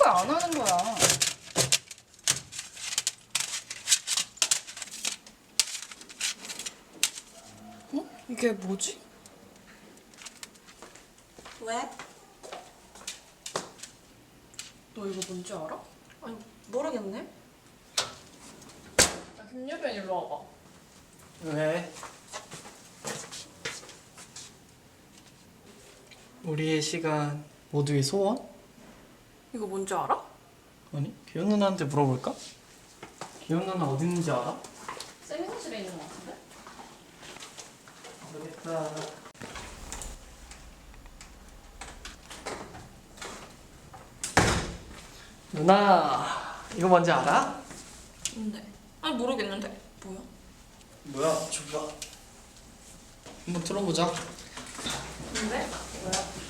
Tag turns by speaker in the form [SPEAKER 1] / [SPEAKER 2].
[SPEAKER 1] 거야, 안 하는 거야? 어? 이게 뭐지?
[SPEAKER 2] 왜?
[SPEAKER 1] 너 이거 뭔지 알아?
[SPEAKER 2] 아니 모르겠네.
[SPEAKER 1] 야, 김유빈 일로 와봐.
[SPEAKER 3] 왜? 우리의 시간 모두의 소원?
[SPEAKER 1] 이거 뭔지 알아?
[SPEAKER 3] 아니, 기현 누나한테 물어볼까? 기현 누나 어디 있는지 알아?
[SPEAKER 1] 세미사실에 있는 거 같은데?
[SPEAKER 3] 모르겠다. 누나, 이거 뭔지 알아?
[SPEAKER 1] 뭔데? 아니 모르겠는데. 뭐야?
[SPEAKER 3] 뭐야, 줘봐. 한번 들어보자.
[SPEAKER 1] 뭔데? 뭐야?